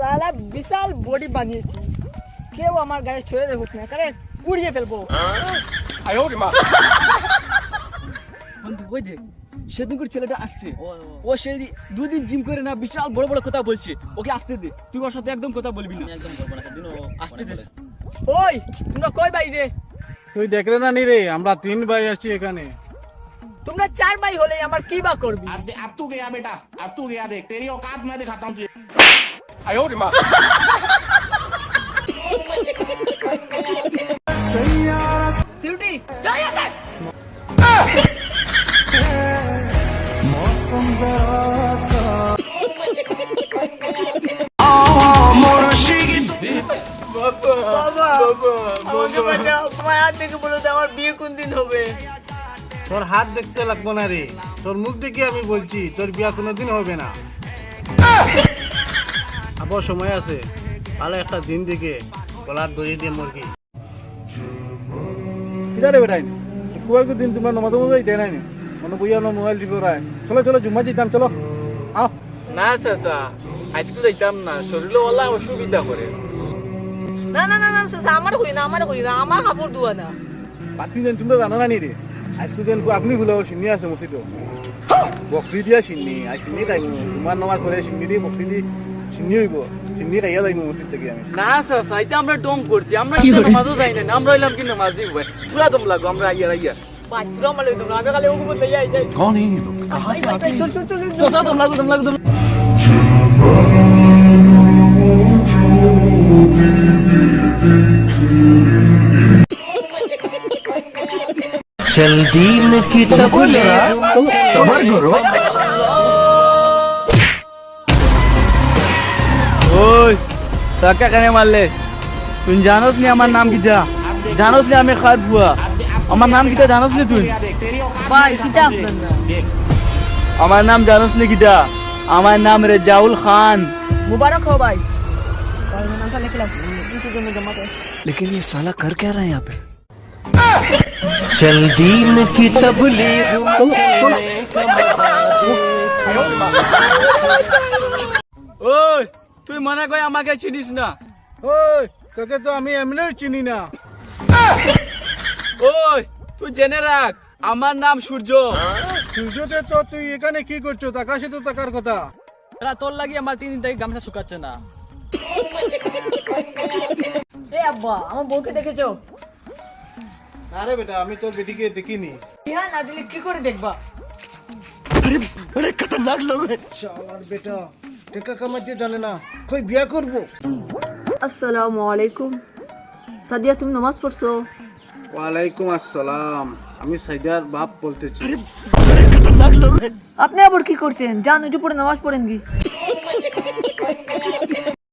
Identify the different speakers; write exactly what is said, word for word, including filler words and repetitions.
Speaker 1: সালা বিশাল বডি বানিয়েছি, কেউ আমার গায়ে ছুঁয়ে দেখুক না, কারণ পুড়িয়ে ফেলবো।
Speaker 2: বন্ধু ওই দেখ সেদিনকার ছেলেটা আসছে, ও সেই দুদিন জিম করে না বিশাল বড় বড় কথা বলছে, ওকে আসতে দে, তুই ওর সাথে একদম কথা বলবি না। একদম বলবো না, সেদিন ও আসতে দে।
Speaker 1: ওই তোমরা কই ভাই রে?
Speaker 3: তুই দেখলে না নি রে, আমরা তিন ভাই আছি এখানে।
Speaker 1: তোমরা চার ভাই হলে আমার কি বা করবি?
Speaker 4: अब अब तू गया बेटा, अब तू गया, देख तेरी औकात मैं दिखाता हूँ तुझे। आयो रे माँ।
Speaker 1: সিউটি বাবা, আমাকে বাঁচাও, তোমার হাত থেকে বলো তো আমার বিয়ে কোন দিন হবে?
Speaker 3: তোর হাত দেখতে লাগবো না রে, তোর মুখ দেখে আমি বলছি তোর বিয়া কোনোদিন হবে না। আবার সময় আছে, ভালো একটা দিন দেখে গলার দড়ি দিয়ে মুরগি কিদারে বেটাই কুয়ার দিন তোমার নমাজ মজাই দেয় নাই মনে বইয়া না মোবাইল টিপে রায়। চলো চলো জুম্মা যেতাম, চলো আও।
Speaker 2: না চাচা আজকে যাইতাম না, শরীরে ওলা অসুবিধা করে।
Speaker 1: না না না না চাচা, আমার কই না, আমার কই না, আমার কাপড় ধোয়া না।
Speaker 3: বাতি যেন তোমরা জানো না নি রে, আজকে যেন আপনি ভুলে সিন্নি আছে মসজিদ বকরি দিয়া সিন্নি আজ সিন্নি তাই তোমার নমাজ পড়ে সিন্নি দিয়ে বকরি দিয়ে সিন্নি হইব, সিন্নি খাইয়া যাইব মসজিদ থেকে আমি।
Speaker 2: না চাচা এটা আমরা ডং করছি, আমরা কি নামাজও যাই না, আমরা হইলাম কি নামাজ দিব তুরা দম লাগো, আমরা আইয়া আইয়া
Speaker 1: পাঁচ পুরো মালে তোমরা আগে কালে ওগুলো লইয়া আই যাই।
Speaker 5: कौन है ये लोग, कहाँ से आते हैं?
Speaker 1: চল চল চল চল।
Speaker 2: চাচা দম লাগো দম লাগো দম।
Speaker 5: चल दीन की तबले सबर करो।
Speaker 2: ওই টাকা কেন মারলে? তুই জানোস নি আমার নাম কিটা? জানোস নি আমি খাদ ফুয়া? আমার নাম কিটা জানোস নি তুই?
Speaker 1: ভাই কিটা আপনার নাম?
Speaker 2: আমার নাম জানোস নি কিটা? আমার নাম রেজাউল খান।
Speaker 1: মুবারক हो भाई। भाई मैं नाम का लिख ला, इसी को मैं जमा कर।
Speaker 5: लेकिन ये साला कर क्या रहा है यहाँ पे? चल दीन की तबलीग
Speaker 2: ওই তুই মনে কই আমাকে চিনিস না?
Speaker 3: ওই তোকে তো আমি এমনিও চিনি না।
Speaker 2: ওই তুই জেনে রাখ আমার নাম সূর্য।
Speaker 3: সূর্যতে তো তুই এখানে কি করছো? আকাশে তো তাকার কথা।
Speaker 2: এরা তোর লাগি আমার তিন দিন থেকে গামছা শুকাচ্ছে না।
Speaker 1: এ আব্বা, আমার বউকে দেখেছো?
Speaker 3: আরে বেটা আমি তোর বেটিকে দেখিনি।
Speaker 1: বিয়া না দিলে কি করে দেখবা?
Speaker 5: बड़े खतरनाक लोग हैं।
Speaker 3: শালার বেটা টাকা কামাতে জানে না, কই বিয়া করব?
Speaker 1: আসসালামু আলাইকুম। সাদিয়া তুমি নামাজ পড়ছো?
Speaker 3: ওয়ালাইকুম আসসালাম, আমি সাইদার বাপ বলতেছি।
Speaker 5: खतरनाक लोग हैं।
Speaker 1: আপনি আবার কি করছেন? যান উঠে পড়ে নামাজ পড়েন কি।